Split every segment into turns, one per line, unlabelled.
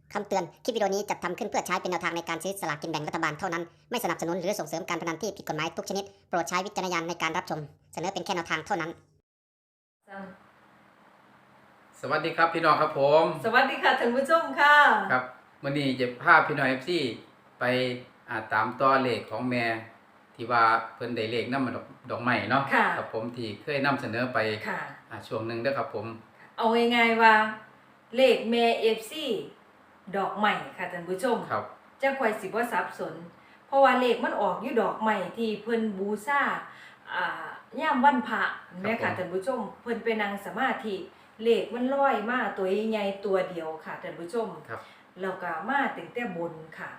คำเตือน คลิปวิดีโอนี้จัดทำขึ้นเพื่อใช้เป็นแนวทางในการซื้อสลากกินแบ่งรัฐบาลเท่านั้น ไม่สนับสนุนหรือส่งเสริมการพนันที่ผิดกฎหมายทุกชนิด โปรดใช้วิจารณญาณในการรับชม เสนอเป็นแค่แนวทางเท่านั้น
สวัสดีครับพี่น้องครับผม
สวัสดีค่ะท่านผู้ชมค่ะ
ครับวันนี้จะพาพี่น้องFCไปตามต่อเลขของแม่ที่ว่าเพิ่นได้เลขนำดอกไม้เนาะครับผมที่เคยนำเสนอไป
ค่ะ
ช่วงหนึงเด้อครับผม
เอาง่ายๆว่าเลขแม่ FC ดอกใหม่ค่ะท่านผู้ชม
ครับ
จังค่อยสิบ่สับสนเพราะว่าเลขมันออกอยู่ดอกใหม่ที่เพิ่นบูชาย่ามวันพระแม่ค่ะท่านผู้ชมเพิ่นไปนั่งสมาธิเลขมันลอยมาตัวใหญ่ๆตัวเดียวค่ะท่านผู้ชม
ครับ
แล้วก็มาตั้งแต่บนค่ะ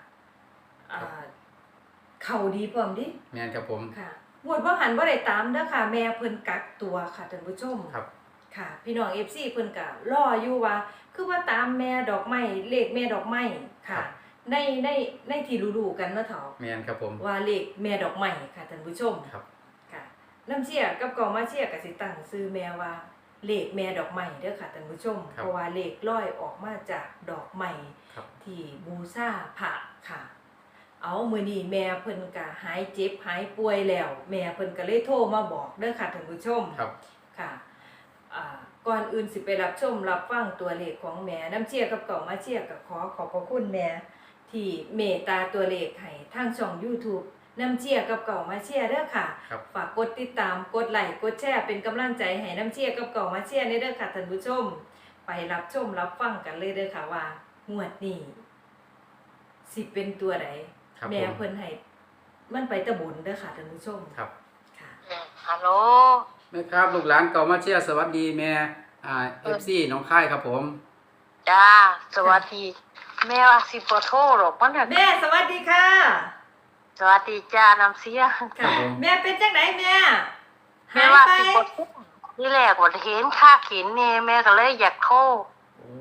เข้าดีพร้อมดิ
แม่นครับผม
ค่ะงวดบ่หันบ่ได้ตามเด้อค่ะแม่เพิ่นกักตัวค่ะท่านผู้ชม
ครับ
ค่ะพี่น้อง FC เพิ่นก็รออยู่ว่าคือว่าตามแม่ดอกไม้เลขแม่ดอกไม้ค่ะในที่รู้ๆกันเนาะเถาะ
แม่นครับผม
ว่าเลขแม่ดอกไม้ค่ะท่านผู้ชม
ครับ
ค่ะน้ำเชี่ยกับกองมาเชี่ยก็สิตั้งชื่อแม่ว่าเลขแม่ดอกไม้เด้อค่ะท่านผู้ชมเพราะว่าเลขลอยออกมาจากดอกไม้ที่บูชาพระค่ะเอามื้อนี้แม่เพิ่นก็หายเจ็บหายป่วยแล้วแม่เพิ่นก็เลยโทรมาบอกเด้อค่ะท่านผู้ชม
ครับ
ค่ะก่อนอื่นสิไปรับชมรับฟังตัวเลขของแม่น้ำเชี่ยกับเก่ามาเชี่ยก็ขอบพระคุณแม่ที่เมตตาตัวเลขให้ทางช่อง YouTube น้ำเชี่ยกับเก่ามาเชี่ยเด้อค่ะฝากกดติดตามกดไลค์กดแชร์เป็นกำลังใจให้น้ำเชี่ยกับเก่ามาเชี่ยในเด้อค่ะท่านผู้ชมไปรับชมรับฟังกันเลยเด้อค่ะว่างวดนี้สิเป็นตัวใดแม่เพิ่นให้มันไปตะบุญเด้อค่ะท่านผู้ชม
ครับ
ค่ะ
ฮัลโหล
แม่ครับลูกหลานเก่ามาเชียร์สวัสดีแม่FC น้องค่ายครับผม
จ้าสวัสดีแม่ว่าสิบ่โทรหรอกมันน่ะ
แม่สวัสดีค่ะ
สวัสดีจ้าน้ำเสีย
ค่ะแม่เป็นจังไดแม่
แม่ว่าสิบ่โทรที่แรกว่าเห็นค่าขินนี่แม่ก็เลยอยากโทร
โอ้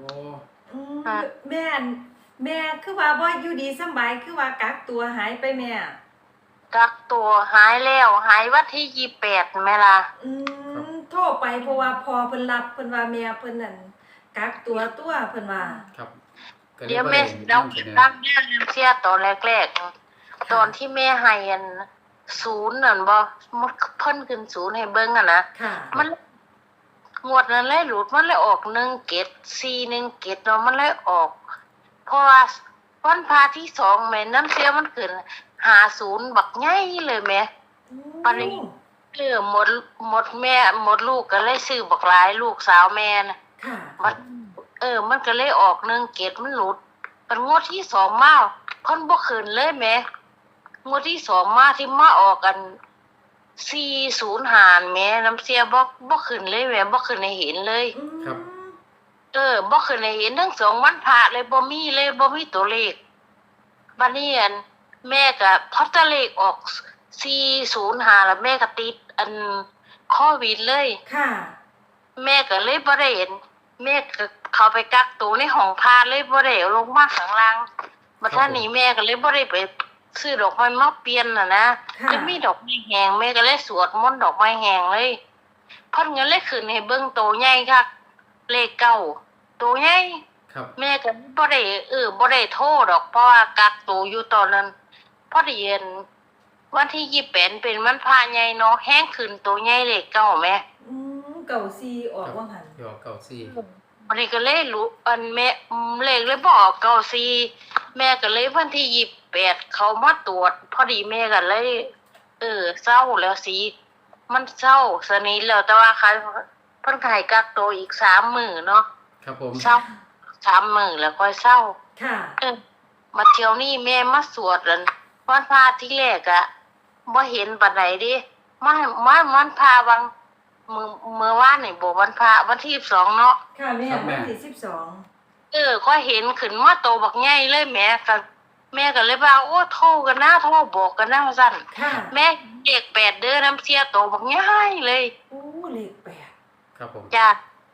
แม่คือว่าบ่อยู่ดีสำบายคือว่ากักตัวหายไปแม่
กักตัวหายแล้วหายวันที่28แม่ล่ะ
โทรไปเพราะว่าพอเพิ่นรับเพิ่นว่าแม่เพิ่นนั่นกักตัวเพิ่นว่า
ครับ
เดี๋ยวแม่เราตั้งแม่น้ำเสียตอนแรกๆตอนที่แม่ให้อัน0นั่นบ่มันเพิ่นขึ้น0ให้เบิ่งอ่ะนะมันงวดนั้นเลยหลุดมันเลยออก1เกต4 1เกตเนาะมันเลยออกเพราะว่าวันพระที่2แม่น้ำเสียมันขึ้น50บักใหญ่เลยแม่ปานนี้หมดแม่หมดลูกก็เลยซื้อบักหลายลูกสาวแม่น่ะ
ค่ะ
มันก็เลยออก1เกตมันหลุดอันงวดที่2มาเพิ่นบ่ขึ้นเลยแม่งวดที่2มาที่มาออกกัน405แม่น้ำเสียบ่ขึ้นเลยแม่บ่ขึ้นให้เห็นเลย
ครับ
บ่ขึ้นให้เห็นทั้ง2วันพระเลยบ่มีตัวเลขบัดนี้แม่ก็พอตัวเลขออก405แล้วแม่ก็ติดโควิดเลย
ค่ะ
แม่ก็เลยบ่ได้เห็นแม่ก็เข้าไปกักตัวในห้องพระเลยบ่ได้ลงมาข้างล่างบัดนี้แม่ก็เลยบ่ได้ไปซื้อดอกไม้มาเปลี่ยนน่ะนะจะมีดอกไม้แห้งแม่ก็เลยสวดมนต์ดอกไม้แห้งเลยเพิ่นก็เลยขึ้นให้เบิ่งโตใหญ่คักเลข9โตใหญ่แม่ก็บ่ได้โทรดอกเพราะว่ากักตัวอยู่ตอนนั้นพอดีวันที่28เป็นวันพระใหญ่เนาะแห้งขึ้นโตใหญ่เลข9แม่
เก่าซีออกว่าหั่น
ออกเก่าซี
วันนี้ก็เลยรู้แม่เลขเลยบอกเก่าซีแม่ก็เลยวันที่28เขามาตรวจพอดีแม่ก็เลยเศร้าแล้วสิมันเศร้าสนิทแล้วแต่ว่าใครเพิ่นให้กักตัวอีก3มื้อเนาะ
ครับผม
เศร้า3มื้อแล้วค่อยเศร้า
ค่ะ
มาเที่ยวนี้แม่มาสวดวันพระที่แรกอะบ่เห็นปานใดเด้วันพระบางเมื่อวานนี่บ่วันพระวันที่12เนาะ
ค่ะแม่วันที่12
ก็เห็นขึ้นมาโตบักใหญ่เลยแม่ก็เลยว่าโอ้โทรกันนะโทรบอกกันนะว่าซั่นแม่เลข8เด้อน้ำเสียโตบักใหญ่เลย
โอ้เลข8
ครับผม
จ้ะ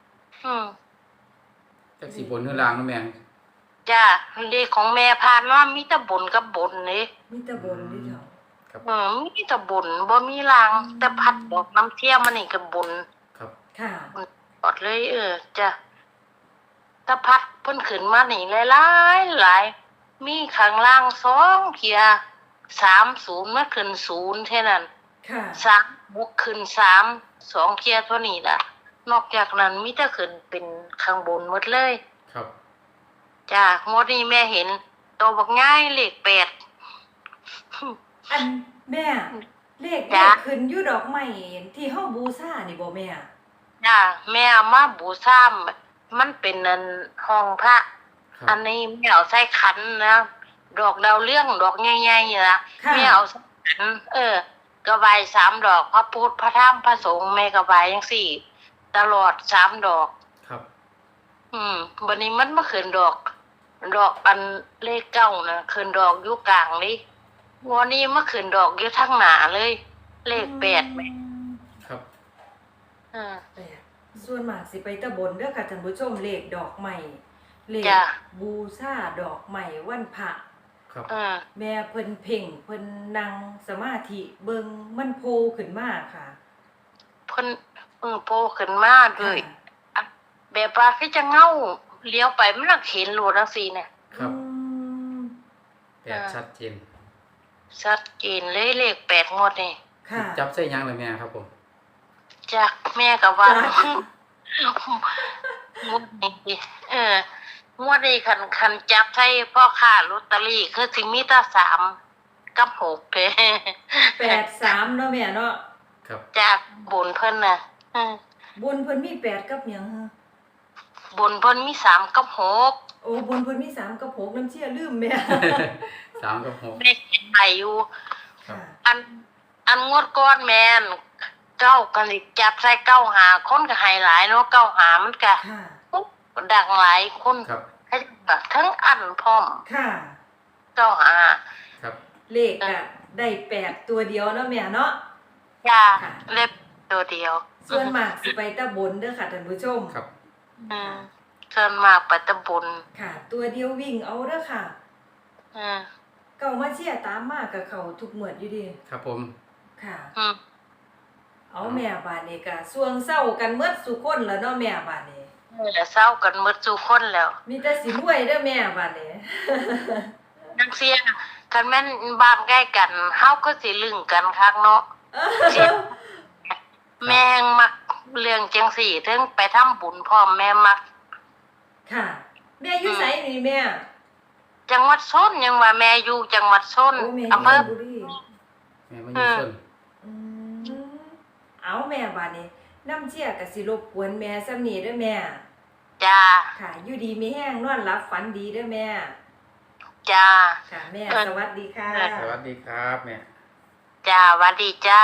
จักสิบนหรือล่างเนาะแม่
จ้ะเลขของแม่ผ่านมามีแต่บนกับบนนี่
มีแต่บนนี่เถาะ
มีแต่บนบ่มีล่างแต่พัดดอกน้ำเสียมันนี่ก็บน
ครับ
ค่ะ
กดเลยจ้ะตะพัดเพิ่นขึ้นมานี่หลายๆหลายมีข้างล่าง2เที่ย30มาขึ้น0แค่นั้น
ค่ะ
36ขึ้น3 2เที่ยเท่านี้ล่ะ นอกจากนั้นมีแต่ขึ้นเป็นข้างบนหมดเลย
ครับ
จ้างวดนี้แม่เห็นตัวบักง่ายเลข8
อันแม่เลข
จ้ะ
ขึ้นอยู่ดอกไม้ที่เฮาบูชานี่บ่แม่
จ้าแม่เอามาบูชามันเป็นอันห้องพระ
ครับ
อันนี้แม่เอาใส่ขันนะ ดอกดาวเรื่องดอกใหญ่ๆนี่นะ
ค่ะ
แม่เอาใส่ขันกระบาย3 ดอกพระพุทธพระธรรมพระสงฆ์แม่กระบายจังซี่ ตลอด3 ดอก
ครับ
บัดนี้มันมาขึ้นดอก ดอกอันเลขเก้านะขึ้นดอกอยู่กลางนี่งวดนี้มาขึ้นดอกอยู่ทางหน้าเลย เลข8แม่
ครับ
แปดส่วนมากสิไปตะบนเด้อค่ะท่านผู้ชมเลขดอกไม้เลข
จ้ะ
บูชาดอกไม้วันพระ
ครับ
แม่เพิ่นเพ่งเพิ่นนั่งสมาธิเบิ่งมันโผล่ขึ้นมาค่ะ
เพิ่นโผล่ขึ้นมาด้วย
ค่ะ
แบบว่าคือจะเงาเลี้ยวไปมันนักเห็นโลดจังซี่เนี่ย
ครับ
อืม
แปดชัดเจน
ชัดเจนเลยเลข8งวดนี่
ค่ะ
จับใส่หยังเลยแม่ครับผม
จากแม่ก็ว่า
จ้ะ
งวดนี้งวดนี้คันจับใส่พ่อค้าลอตเตอรี่คือสิมีแต่3กับ6เด้
83เนาะแม่เนาะ
ครับ
จากบุญเพิ่นน่ะ
บนเพิ่นมี8กับหยังฮะ
บุญเพิ่นมี3กับ6
โอ้บนเพิ่นมี3กับ6น้ำเชี่ยลืมแม่
3 กับ 6
แม่เขียนไปอยู่
ครับ
ค่ะ
อันงวดก้อนแม่นเก้ากันสิจับใส่9 หาคนก็ให้หลายเนาะ9 หามันก็
ค่ะ
ดังหลายคน
ครับ
ให้แบบทั้งอันพร้อม
ค่ะ
9 หา
ครับ
เลขอะได้8ตัวเดียวเนาะแม่เนาะ
จ้า
ค่ะ
เล็บตัวเดียว
ส่วนมากสิไปตะบนเด้อค่ะท่านผู้ชม
ครับ
ส่วนมากไปตะบุญ
ค่ะ ตัวเดียววิ่งเอาเด้อค่ะ
อืม
เก่ามาเชียร์ตามมากับเขาทุกหมวดอยู่ดี
ครับผม
ค่ะ
อืม
เอาแม่บานนี้ก็ส่วงเศร้ากันเมดสุคนแล้วเนาะแม่บานนี้
เศร้ากันหมดทุกคนแล้ว
มีแต่สิรวยเด้อแม่บานนี้
นักเสียคันแม่นบ้านใกล้กันเฮาก็สิลึงกันคักเนาะ แม่งมักเรื่องจังสี่ถึงไปทำบุญพร้อมแม่มัก
ค่ะ แม่อยู่ไสนี่แม่
จังหวัดชนยังว่าแม่อยู่จังหวัดชน
โอ้แม่
อำเภอ
บุรี
แม่มาอยู่ส่วน
อืมเอาแม่บานนี้น้ำเชี่ยก็สิรบกวนแม่ซ้ำนี้เด้อแม่
จ้า
ค่ะ อยู่ดีมีแห้งนอนหลับฝันดีเด้อแม่
จ้า
ค่ะแม่สวัสดีค่ะ
สวัสดีครับแม่
จ้าหวัดดีจ้า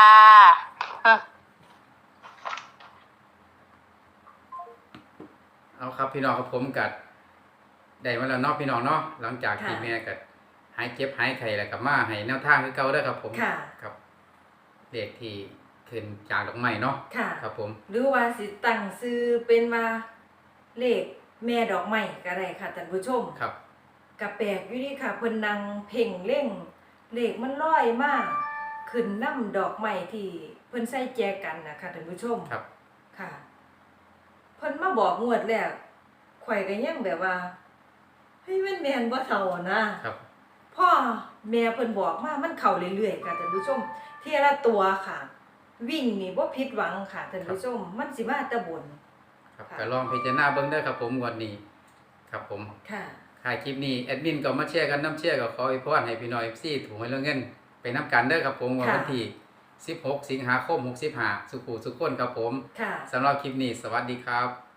เอาครับพี่น้องครับผมกัดได้มาแล้วเนาะพี่น้องเนาะหลังจากที่
ค่ะ
แม่กัดหายเจ็บหายไข้แล้วก็มาให้แนวทางคือเก่าเด้อครับผม
ค่ะ
ครับเลขที่ขึ้นจากดอกไม้เนาะ
ค่ะ
ครับผม
หรือว่าสิตั้งซื้อเป็นมาเลขแม่ดอกไม้ก็ได้ค่ะท่านผู้ชม
ครับ
กะแปลกอยู่นี่ค่ะเพิ่นนั่งเพ่งเล่งเลขมันลอยมาขึ้นน้ำดอกไม้ที่เพิ่นใส่แจกันนะคะท่านผู้ชม
ครับ
ค่ะ เพิ่นมาบอกงวดแรกข่อยก็ยังแบบว่าเฮ้ยมันแม่นบ่เท่านะครับ พ่อแม่เพิ่นบอกมามันเข้าเรื่อยๆค่ะท่านผู้ชมเที่ยละตัวค่ะ วิ่งนี่บ่ผิดหวังค่ะท่านผู้ชมมันสิมาแต่บน
ครับ
ค่ะ
ก็ลองพิจารณาเบิ่งเด้อครับผมงวดนี้ครับผม
ค่ะ
ถ่ายคลิปนี้แอดมินก็มาแชร์กันน้ำเชียร์ก็ขออวยพรให้พี่น้อง FC ถูกหวยรางวัลเงินไปนํกันเด้อครับผมวันที่16 สิงหาคม65สุขุสุขคนครับผม
ค่ะ
สำหรับคลิปนี้สวัสดีครับ